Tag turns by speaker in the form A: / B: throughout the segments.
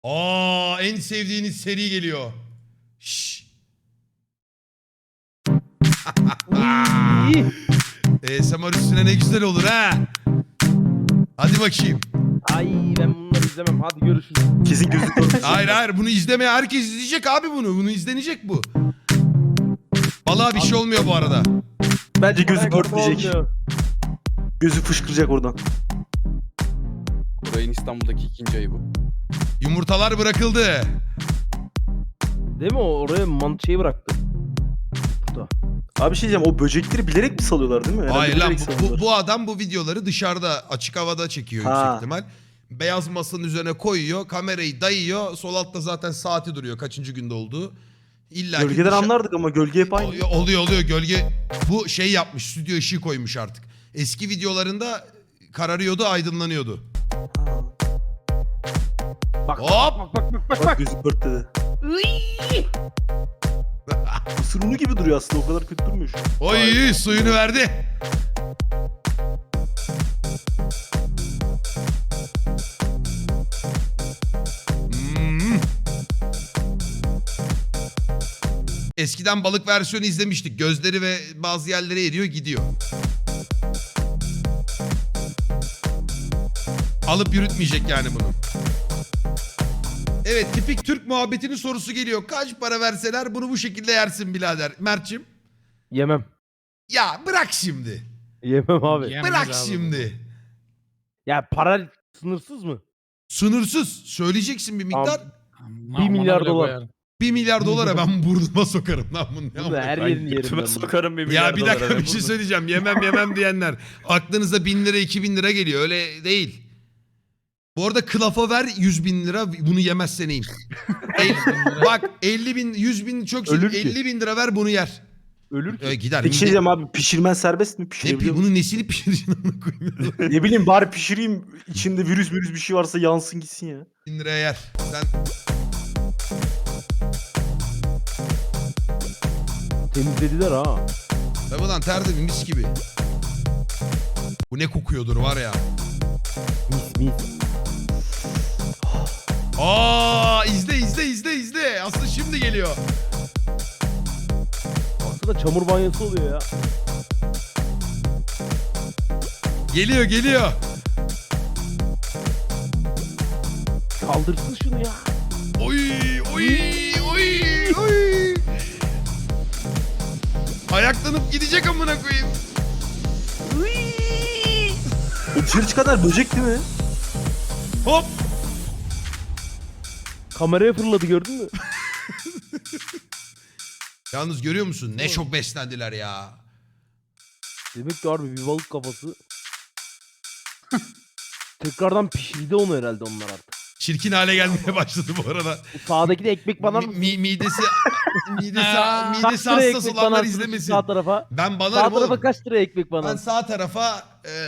A: En sevdiğiniz seri geliyor. Şşş. ASMR üstüne ne güzel olur ha. Hadi bakayım.
B: Ay ben bunları izlemem. Hadi görüşürüz.
C: Kesin gözlük.
A: Hayır bunu izlemeye herkes izleyecek abi bunu. Bunu izlenecek bu. Balığa bir şey olmuyor bu arada.
C: Bence gözü
B: Ay,
C: pörtleyecek.
B: olmuyor.
C: Gözü fışkıracak oradan.
D: Koray'ın İstanbul'daki ikinci ayı bu.
A: Yumurtalar bırakıldı.
B: Değil mi o? Oraya şeyi bıraktı. Burada.
C: Abi bir şey diyeceğim, o böcekleri bilerek mi salıyorlar değil mi? Herhalde
A: Hayır lan
C: bilerek salıyorlar.
A: bu adam bu videoları dışarıda açık havada çekiyor
C: Ha.
A: yüksek ihtimal. Beyaz masanın üzerine koyuyor, kamerayı dayıyor. Sol altta zaten saati duruyor kaçıncı günde olduğu. İlla ki
C: Gölgeden anlardık ama gölge hep aynı.
A: Oluyor gölge. Bu şey yapmış, stüdyo ışığı koymuş artık. Eski videolarında kararıyordu, aydınlanıyordu.
B: Bak
A: Hop!
C: Bak gözü pörtledi. Mısır unu gibi duruyor aslında, o kadar kötü durmuyor şu an.
A: Oy suyunu verdi. Hmm. Eskiden balık versiyonu izlemiştik. Gözleri ve bazı yerlere eriyor gidiyor. Alıp yürütmeyecek yani bunu. Evet, tipik Türk muhabbetinin sorusu geliyor. Kaç para verseler bunu bu şekilde yersin birader. Mert'cim.
B: Yemem.
A: Ya bırak şimdi.
B: Yemem abi.
A: Bırak şimdi.
B: Ya para sınırsız mı?
A: Sınırsız. Söyleyeceksin bir miktar.
B: Bir milyar dolar.
A: 1 milyar dolara ben burnuma sokarım lan bunu.
B: Bunu her yerini yerim ben. bunu.
D: sokarım bir milyar
A: Ya bir dakika bir şey söyleyeceğim. Yemem diyenler. Aklınıza 1000 lira 2000 lira geliyor. Öyle değil. Bu arada kılafa ver 100 bin lira bunu yemezsen iyiyim. Bak 50 bin 100 bin çok şey.
B: Ölür ki.
A: 50 bin lira ver bunu yer.
B: Ölür ki.
A: Gider.
C: Peki şey diyeceğim abi, pişirmen serbest mi?
A: Ne,
C: Pişirebiliyor musun?
A: bunun nesini pişireceksin onu koyayım.
C: Ne bileyim, bari pişireyim. İçinde virüs bir şey varsa yansın gitsin ya.
A: 1000 liraya yer. Sen
B: Temizlediler ha.
A: tabii lan tertemiz mis gibi. Bu ne kokuyordur var ya.
B: Mis mis.
A: İzle. Aslında şimdi geliyor.
B: Aslında çamur banyosu oluyor ya.
A: Geliyor.
B: Kaldırsın şunu ya.
A: Oy. Ayaklanıp gidecek amına koyayım.
C: O dışarı çıkanlar böcek değil mi?
A: Hop.
B: Kameraya fırladı gördün mü?
A: Yalnız görüyor musun? Ne çok beslendiler ya.
B: Demek ki harbi bir balık kafası. Tekrardan pişirdi onu herhalde onlar artık.
A: Çirkin hale gelmeye başladı bu arada.
B: Bu sağdaki de ekmek banar mısın?
A: Midesi
B: Kaç
A: hassas
B: liraya ekmek
A: olanlar
B: banarsın
A: izlemesin.
B: sağ tarafa?
A: Ben
B: Sağ
A: banarım
B: tarafa
A: oğlum.
B: kaç liraya ekmek
A: Ben
B: banarsın?
A: sağ tarafa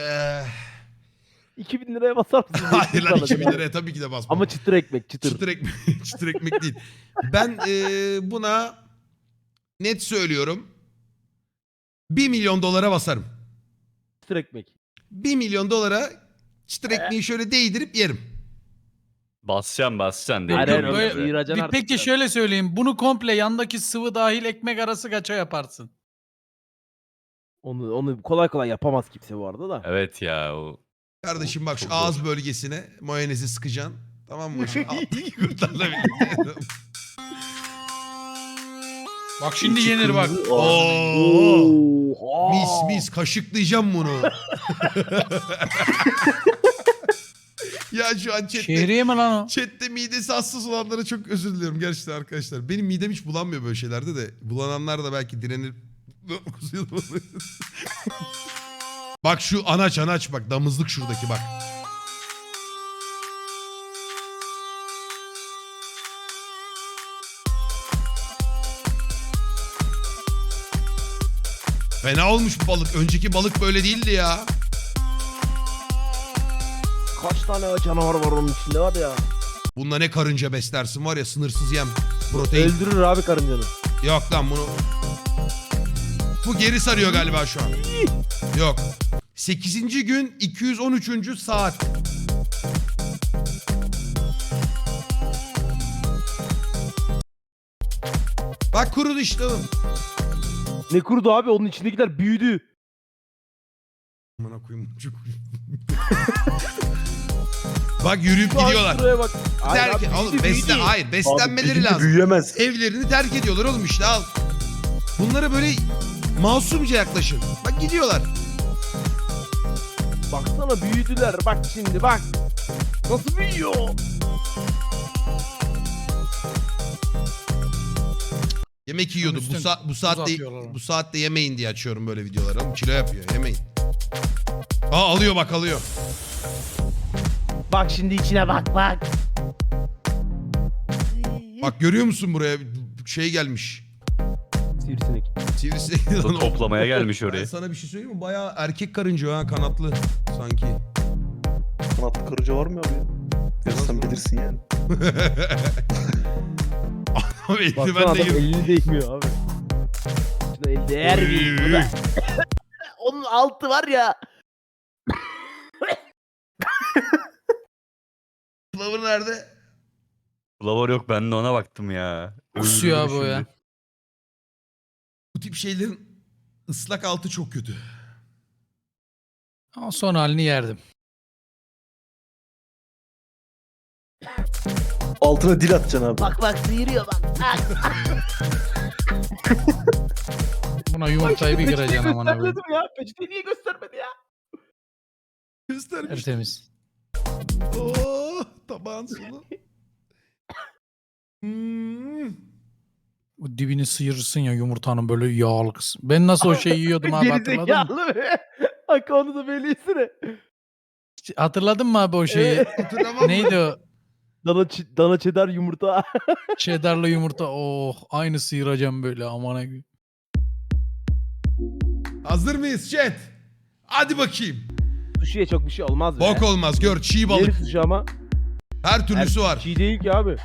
B: 2000 liraya basar mısın?
A: hayır lan
B: Ekmek
A: 2000
B: bana.
A: liraya tabii ki de basmam.
B: Ama çıtır ekmek çıtır.
A: Çıtır ekmek değil. Ben buna net söylüyorum. 1 milyon dolara basarım.
B: Çıtır ekmek.
A: 1 milyon dolara çıtır ekmeği şöyle değdirip yerim.
E: Basacaksın.
B: Hayır,
E: Değil
B: hayır,
E: mi?
B: öyle sıyıracaksın artık
F: Peki
B: ya.
F: şöyle söyleyeyim. Bunu komple yandaki sıvı dahil ekmek arası kaça yaparsın?
B: Onu kolay kolay yapamaz kimse bu arada da.
E: Evet ya o.
A: Kardeşim bak şu
E: Çok
A: ağız bölgesine mayonezi sıkacaksın. Tamam mı? Şu alttaki kurtlarla birlikte.
F: Bak şimdi yenir bak.
A: Oo.
B: Oha.
A: Mis kaşıklayacağım bunu. Ya şu an chatte,
F: Şehriye mi lan o?
A: chatte midesi hassas olanlara çok özür diliyorum gerçekten arkadaşlar. Benim midem hiç bulanmıyor böyle şeylerde de. Bulananlar da belki direnir. Bak şu anaç bak damızlık şuradaki bak. Fena olmuş bu balık. Önceki balık böyle değildi ya.
B: Kaç tane canavar var onun içinde var ya.
A: Bunda ne karınca beslersin var ya, sınırsız yem. Protein.
B: Öldürür abi karıncanı.
A: Yok lan bunu. Bu geri sarıyor galiba şu an. Yok. 8. gün 213. saat. Bak kurudu işte oğlum.
B: Ne kurudu abi? Onun içindekiler büyüdü.
A: Amına koyayım. Çok... Bak yürüyüp
B: Şu an
A: gidiyorlar.
B: şuraya bak. Hayır
A: Terk,
B: abi,
A: oğlum
B: büyüdü, büyüdü.
A: hayır beslenmeleri
C: Abi,
A: lazım.
C: büyüyemez.
A: Evlerini terk ediyorlar oğlum işte al. Bunlara böyle masumca yaklaşın. Bak gidiyorlar.
B: Baksana büyüdüler. Bak şimdi bak. Nasıl büyüyor?
A: Yemek yiyordu.
F: Üstten
A: Bu
F: buz
A: saatte
F: atıyorlar ona.
A: bu saatte yemeyin diye açıyorum böyle videoları. Oğlum kilo yapıyor. Yemeyin. Aa alıyor bak alıyor.
B: Bak şimdi içine bak bak.
A: Bak görüyor musun buraya şey gelmiş.
B: Sivrisinek.
A: Sivrisinek. lan o.
E: Toplamaya gelmiş
A: Ben
E: oraya.
A: sana bir şey söyleyeyim mi? Bayağı erkek karınca o ha kanatlı sanki.
C: Kanatlı karınca var mı abi ya? Ya sen bilirsin yani.
A: Abi
B: Baksana
A: eldiven
B: adam
A: de gibi.
B: elini değmiyor abi. Şuna el değer bir. Bu da- Onun altı var ya.
A: Flavor nerede?
E: Flavor yok, ben de ona baktım ya.
F: Kusuyor
E: Öldürdüm
F: abi o ya.
E: şimdi.
A: Bu tip şeylerin ıslak altı çok kötü.
F: Ama son halini yerdim.
C: Altına dil atacaksın abi.
B: Bak bak sıyırıyor bak.
F: Buna yumurtayı bir kıracaksın aman abi.
B: Göstermedim ya. Peçeteyi niye göstermedi ya?
A: Göstermiş.
F: Tertemiz.
A: Oh, tabağın sonu.
F: O dibini sıyırırsın ya yumurtanın böyle yağlı kısmı. Ben nasıl o şeyi yiyordum abi hatırladın mı?
B: Gerizekalı be. Bak onu da böylesine.
F: Hatırladın mı abi o şeyi?
A: Hatırlamam.
F: Neydi o?
B: Dana çedar yumurta.
F: Cheddar'lı yumurta. Oh aynı sıyıracağım böyle aman abi.
A: Hazır mıyız chat? Hadi bakayım.
B: Sushi'ye çok bir şey olmaz be.
A: Bok olmaz gör çiğ balık.
B: Yeri sushi ama.
A: Her türlüsü var.
B: Çiğ değil ki abi.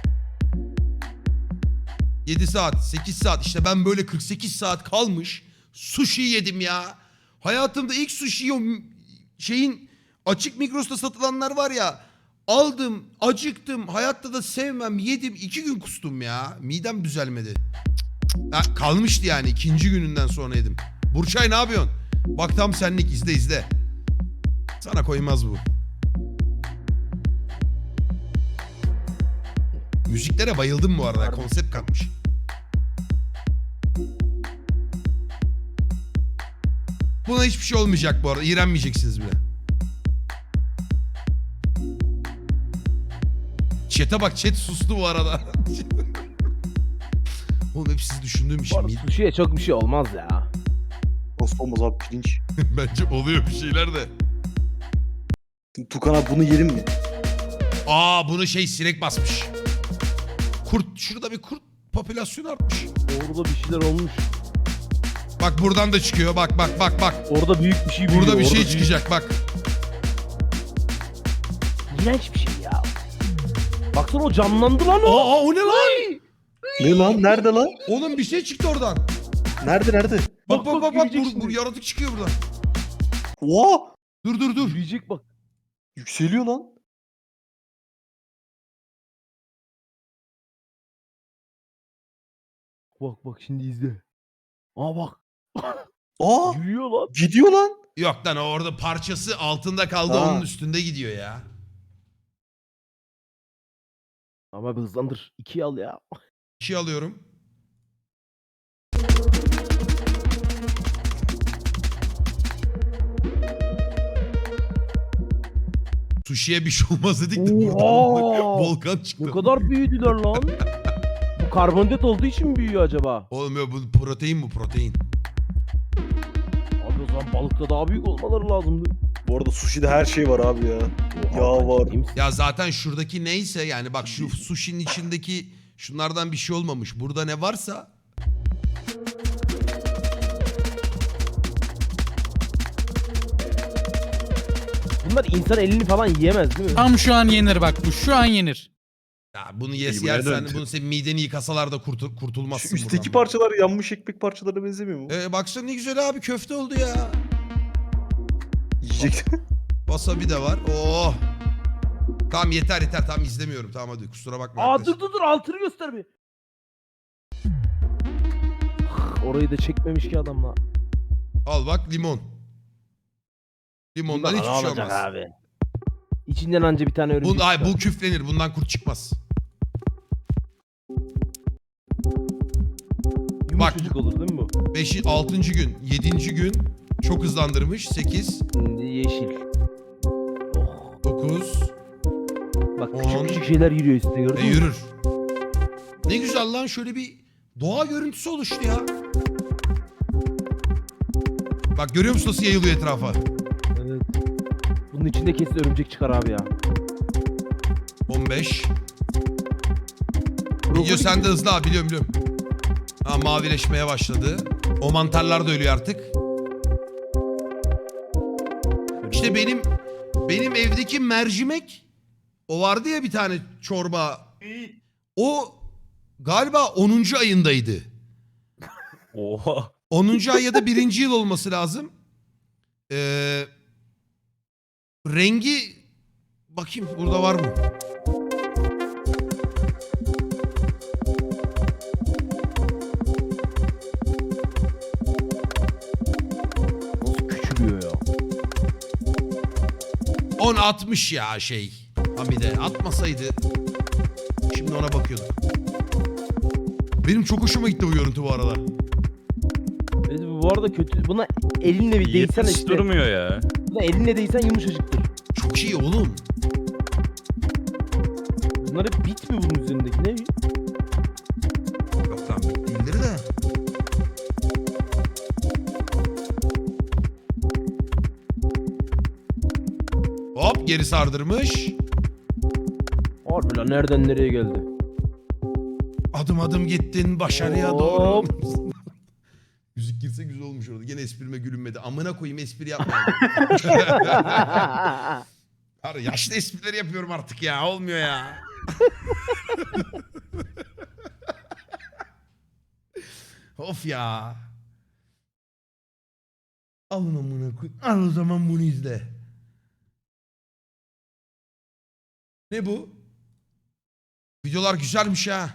A: 7 saat 8 saat işte ben böyle 48 saat kalmış sushi yedim ya. Hayatımda ilk sushi o şeyin açık Migros'ta satılanlar var ya. Aldım acıktım hayatta da sevmem yedim 2 gün kustum ya. Midem düzelmedi. Ha, kalmıştı yani ikinci gününden sonra yedim. Burçay ne yapıyorsun? Bak tam senlik izle. Sana koymaz bu. Müziklere bayıldım bu arada. Konsept katmış. Buna hiçbir şey olmayacak bu arada. İğrenmeyeceksiniz bile. Chat'e bak. Chat sustu bu arada. Oğlum hep sizi düşündüğüm
B: Bu
A: için.
B: arada sushi'ye çok bir şey olmaz ya.
C: Nasıl olmaz abi pirinç.
A: Bence oluyor bir şeyler de.
C: Tukan abi bunu yerim mi?
A: Aa bunu sinek basmış. Kurt. Şurada bir kurt popülasyonu artmış.
B: Orada bir şeyler olmuş.
A: Bak buradan da çıkıyor. Bak.
B: Orada büyük bir şey büyüyor.
A: Burada bir şey
B: orada
A: çıkacak bak.
B: İğrenç bir şey ya. Baksana o canlandı lan o.
A: Aa o ne lan?
C: Ne lan? Nerede lan?
A: Oğlum bir şey çıktı oradan.
C: Nerede?
A: Bak
B: yürüyecek
A: bu
B: şimdi.
A: yaratık çıkıyor buradan.
C: Oha!
A: Dur.
B: Büyüyecek bak.
C: Yükseliyor lan.
B: Bak şimdi izle. Aa bak.
C: Aa!
B: Yürüyor lan.
C: Gidiyor lan.
A: Yok lan o orada parçası altında kaldı
C: Ha.
A: onun üstünde gidiyor ya.
B: Ama bir hızlandır. 2'yi al ya.
A: 2 alıyorum. Sushi'ye bir şey olmaz dedik de buradan
B: Oha!
A: volkan çıktı.
B: Ne kadar büyüdüler lan. Bu karbonhidrat olduğu için mi büyüyor acaba?
A: Oğlum ya bu protein protein.
B: Abi o zaman balıkta daha büyük olmaları lazımdı.
C: Bu arada sushi'de her şey var abi ya. Yağ var.
B: Ciddi misin?
A: Ya zaten şuradaki neyse yani bak şu sushi'nin içindeki şunlardan bir şey olmamış. Burada ne varsa
B: Bunlar insan elini falan yiyemez değil mi?
F: Tam şu an yenir bak bu şu an yenir.
A: ya bunu
E: Kıymaya
A: yersen
E: döndü.
A: bunu senin mideni yıkasalar da kurtulmazsın
C: Şu üstteki
A: buradan.
C: parçalar yanmış ekmek parçalarına benzemiyor mu?
A: Baksana ne güzel abi köfte oldu ya.
C: Yiyecek.
A: Wasabi de var. Oh. Tamam yeter tamam izlemiyorum. Tamam hadi kusura bakma.
B: Aa
A: arkadaş.
B: dur altını göster bir. orayı da çekmemiş ki adamla.
A: Al bak limon. Limondan
B: Bak,
A: hiçbir
B: ne
A: şey
B: olacak
A: olmaz.
B: abi. İçinden anca bir tane örümcek
A: Ay,
B: çıkar.
A: bu küflenir. Bundan kurt çıkmaz.
B: Yumuşacık olur değil mi bu?
A: 5. 6. gün. 7. gün. Çok hızlandırmış. 8.
B: Şimdi yeşil. Oh.
A: 9.
B: Bak
A: 10.
B: küçük küçük şeyler yürüyor üstüne gördün mü?
A: Yürür. Ne güzel lan, şöyle bir doğa görüntüsü oluştu ya. Bak görüyor musun nasıl yayılıyor etrafa?
B: Evet. Bunun içinde kesin örümcek çıkar abi ya.
A: 15.
B: Brokoli
A: Video sende
B: gibi.
A: hızlı abi, biliyorum. Ha, mavileşmeye başladı. O mantarlar da ölüyor artık. İşte benim evdeki mercimek, o vardı ya bir tane çorba. O galiba 10. ayındaydı.
E: Oha.
A: 10. ay ya da 1. yıl olması lazım. Rengi bakayım burada var mı?
B: Nasıl küçülüyor ya?
A: 10 60 ya şey. Hamide atmasaydı şimdi ona bakıyordum. Benim çok hoşuma gitti bu görüntü bu arada.
B: Evet, bu arada kötü. Buna elinle bir değsen
E: 70
B: işte.
E: durmuyor ya.
B: Buna elinle değsen yumuşacıktır.
A: Çok iyi oğlum.
B: Bunlar hep bit mi bunun üzerindeki ne?
A: Yok lan değildir de. Hop geri sardırmış.
B: Harbi lan nereden nereye geldi?
A: Adım adım gittin başarıya
B: Hop.
A: doğru. Müzik girse güzel olmuş orada. Gene esprime gülünmedi. Amına koyayım, espri yapmayalım. Abi yaşlı esprileri yapıyorum artık ya. Olmuyor ya. Of ya. Alın amına koy. Al o zaman bunu izle. Ne bu? Videolar güzelmiş ha.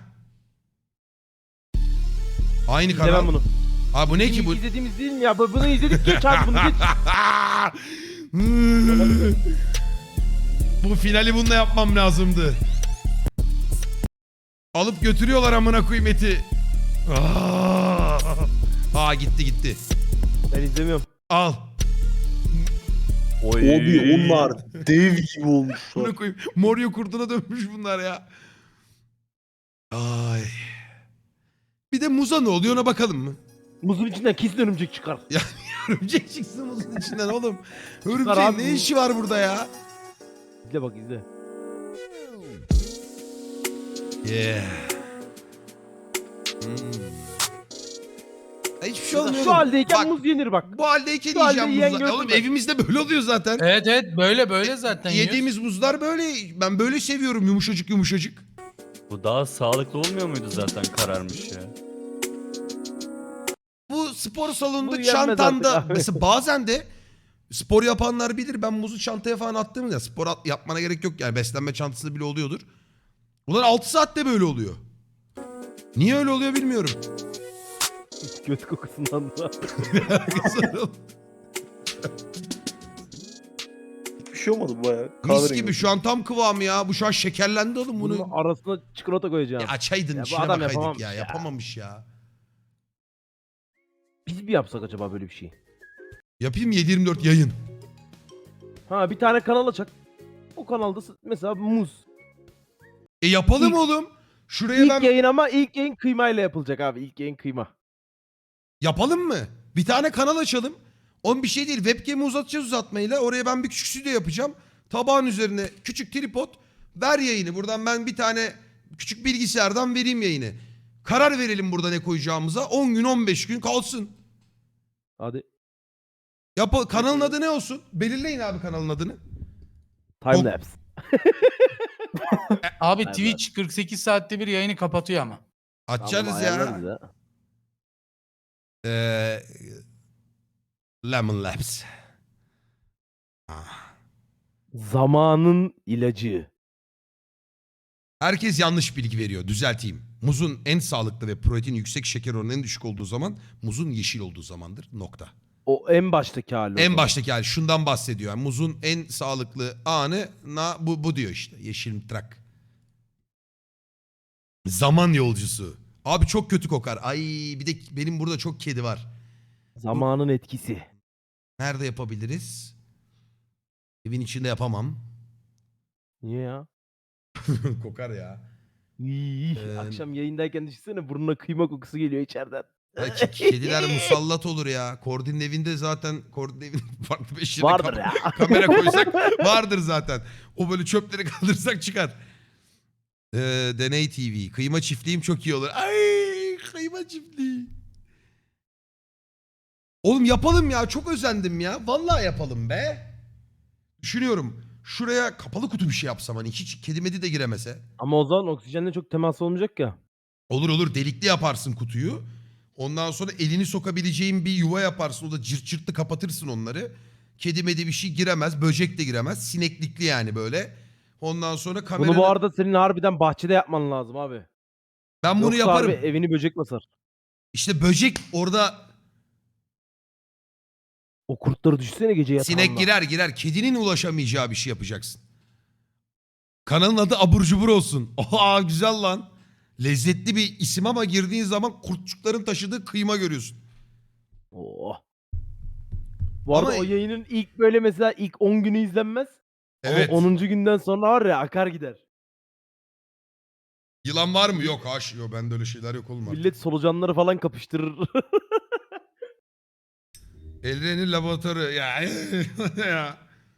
A: Aynı
B: İzlemem
A: kanal.
B: bunu.
A: Ha bu ne ki bu?
B: İzlediğimiz değil mi ya? Bunu izledik, geç abi bunu geç.
A: Bu finali bununla yapmam lazımdı. Alıp götürüyorlar amına koyayım eti. Aa gitti gitti.
B: Ben izlemiyorum.
A: Al.
E: Oy.
C: Abi onlar dev gibi olmuşlar.
A: Amına koyayım. Morio kurtuna dönmüş bunlar ya. Ay. Bir de muza ne oluyor ona bakalım mı?
B: Muzun içinden kesin örümcek çıkar.
A: Örümcek çıksın muzun içinden oğlum.
B: Çıkar
A: Örümceğin
B: abi.
A: ne işi var burada ya?
B: İzle bak izle.
A: Yeah. Hiçbir şey olmuyor
B: Şu
A: oğlum.
B: haldeyken
A: Bak,
B: muz yenir bak.
A: bu haldeyken
B: şu halde
A: yiyeceğim
B: yiyen
A: muzlar.
B: gördüm
A: Oğlum
B: ben.
A: evimizde böyle oluyor zaten.
F: Evet evet böyle zaten yiyoruz.
A: Yediğimiz muzlar böyle. Ben böyle seviyorum, yumuşacık yumuşacık.
E: Bu daha sağlıklı olmuyor muydu zaten kararmış ya?
A: Bu spor salonunda
B: Bu yenmez
A: çantanda
B: artık abi.
A: mesela bazen de spor yapanlar bilir, ben muzu çantaya falan attığımda spor yapmana gerek yok yani, beslenme çantası bile oluyordur. Ulan 6 saatte böyle oluyor. Niye öyle oluyor bilmiyorum.
B: Göt kokusundan da.
C: Hiçbir şey olmadı bayağı.
A: Mis gibi şu an tam kıvamı ya. Bu şu an şekerlendi oğlum
B: Bunun
A: bunu.
B: arasına çikolata koyacağım.
A: Ya açaydın
B: Ya bu
A: içine
B: adam
A: bakaydık
B: yapamamış
A: ya.
B: ya.
A: Yapamamış ya.
B: Biz bir yapsak acaba böyle bir şey?
A: Yapayım 7/24 yayın.
B: Ha bir tane kanal açak. O kanalda mesela muz.
A: Yapalım
B: İlk-
A: oğlum. Şuraya
B: İlk
A: ben...
B: yayın ama ilk yayın kıymayla yapılacak abi. İlk yayın kıyma.
A: Yapalım mı? Bir tane kanal açalım. On bir şey değil. Webcam'i uzatacağız uzatmayla. Oraya ben bir küçük stüdyo yapacağım. Tabağın üzerine küçük tripod. Ver yayını. Buradan ben bir tane küçük bilgisayardan vereyim yayını. Karar verelim burada ne koyacağımıza. 10 gün 15 gün kalsın.
B: Hadi.
A: Kanalın adı ne olsun? Belirleyin abi kanalın adını.
B: Time lapse.
F: Abi
B: Evet.
F: Twitch 48 saatte bir yayını kapatıyor ama.
A: Açarız
B: Tamam,
A: ya.
B: ayarlarız ya.
A: Lemon Labs. Ah.
B: Zamanın ilacı.
A: Herkes yanlış bilgi veriyor. Düzelteyim. Muzun en sağlıklı ve protein yüksek şeker oranı en düşük olduğu zaman muzun yeşil olduğu zamandır. Nokta.
B: O en baştaki hali. o
A: En
B: zaman.
A: baştaki hali şundan bahsediyor. Yani muzun en sağlıklı anı bu diyor işte. Yeşil trak. Zaman yolcusu. Abi çok kötü kokar. Ay bir de benim burada çok kedi var.
B: Zamanın etkisi.
A: Nerede yapabiliriz? Evin içinde yapamam.
B: Niye ya?
A: Kokar ya.
B: İyi. Akşam yayındayken düşünsene burnuna kıyma kokusu geliyor içeriden.
A: Belki kediler musallat olur ya. Kordin'in evinde zaten Kordin'in evinde farklı bir şeyde
B: Vardır ya.
A: kamera koysak vardır zaten. O böyle çöpleri kaldırsak çıkar. Deney TV. Kıyma çiftliğim çok iyi olur. Ay kıyma çiftliği. Oğlum yapalım ya. Çok özendim ya. Vallahi yapalım be. Düşünüyorum. Şuraya kapalı kutu bir şey yapsam hani hiç kedi medi de giremese.
B: Ama o zaman oksijenle çok temas olmayacak ya.
A: Olur olur delikli yaparsın kutuyu. Ondan sonra elini sokabileceğin bir yuva yaparsın. O da cırt cırtlı kapatırsın onları. Kedi medi bir şey giremez. Böcek de giremez. Sineklikli yani böyle. Ondan sonra kamera...
B: Bunu bu arada senin harbiden bahçede yapman lazım abi.
A: Ben bunu
B: Yoksa
A: yaparım.
B: abi evini böcek basar.
A: İşte böcek orada
B: O kurtları düşsene gece yatağında.
A: sinek girer. Kedinin ulaşamayacağı bir şey yapacaksın. Kanalın adı Abur Cubur olsun. Oha güzel lan. Lezzetli bir isim ama girdiğin zaman kurtçukların taşıdığı kıyma görüyorsun.
B: Oh. Bu arada
A: Ama-
B: o yayının ilk böyle mesela ilk 10 günü izlenmez.
A: Evet.
B: Ama 10. günden sonra var ya akar gider.
A: Yılan var mı? Yok haş. Yok bende öyle şeyler yok oğlum artık.
B: Millet solucanları falan kapıştırır.
A: Elren'in laboratuvarı ya. ya.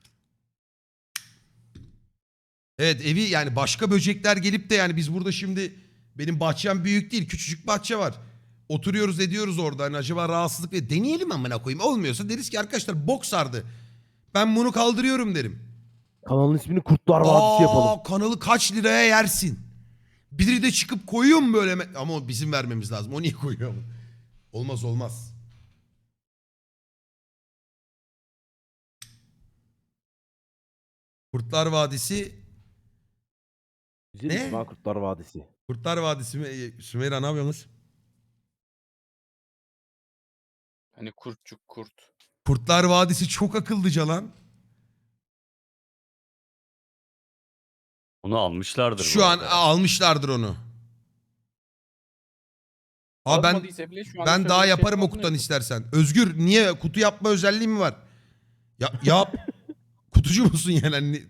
A: Evet evi yani başka böcekler gelip de yani biz burada şimdi benim bahçem büyük değil küçücük bahçe var. Oturuyoruz ediyoruz orada hani acaba rahatsızlık ve deneyelim amına koyayım. Olmuyorsa deriz ki arkadaşlar bok sardı. Ben bunu kaldırıyorum derim.
B: Kanalın ismini Kurtlar Vadisi yapalım.
A: Kanalı kaç liraya yersin? Biri de çıkıp koyuyor mu böyle? Ama bizim vermemiz lazım. O niye koyuyor mu? Olmaz olmaz. Kurtlar Vadisi.
B: Güzel
A: Ne?
B: isim ha Kurtlar Vadisi.
A: Kurtlar Vadisi mi? Sümeyra ne yapıyorsunuz?
D: Hani kurtçuk kurt.
A: Kurtlar Vadisi çok akıllıca lan.
E: Onu almışlardır.
A: Şu
E: bu
A: an
E: arada.
A: almışlardır onu. Aa ben
D: Almadıysa bile şu an
A: ben
D: şöyle
A: daha
D: bir şey
A: yaparım o
D: yapmadın
A: kutudan
D: ya.
A: istersen. Özgür niye kutu yapma özelliği mi var? Ya yap. Kutucu musun yani? Hani-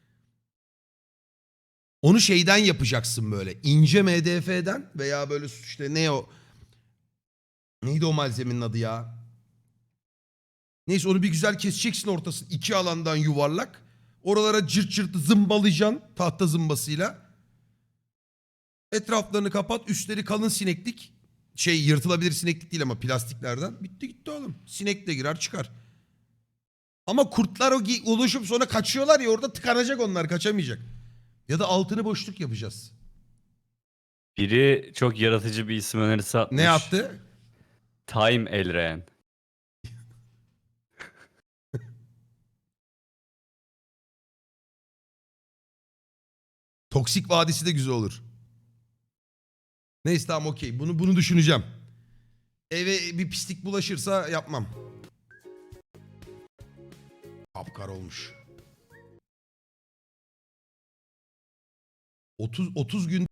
A: Onu şeyden yapacaksın böyle. İnce MDF'den veya böyle işte ne o? Neydi o malzemenin adı ya? Neyse onu bir güzel keseceksin ortasını. İki alandan yuvarlak. Oralara cırt cırt zımbalayacaksın tahta zımbasıyla. Etraflarını kapat. Üstleri kalın sineklik. Şey yırtılabilir sineklik değil ama plastiklerden. Bitti gitti oğlum. Sinek de girer çıkar. Ama kurtlar oluşup sonra kaçıyorlar ya orada tıkanacak onlar kaçamayacak. Ya da altını boşluk yapacağız.
E: Biri çok yaratıcı bir isim önerisi atmış.
A: Ne yaptı?
E: Time Elren.
A: Toksik Vadisi de güzel olur. Neyse tamam okey. Bunu düşüneceğim. Eve bir pislik bulaşırsa yapmam. Kapkar olmuş. 30 gün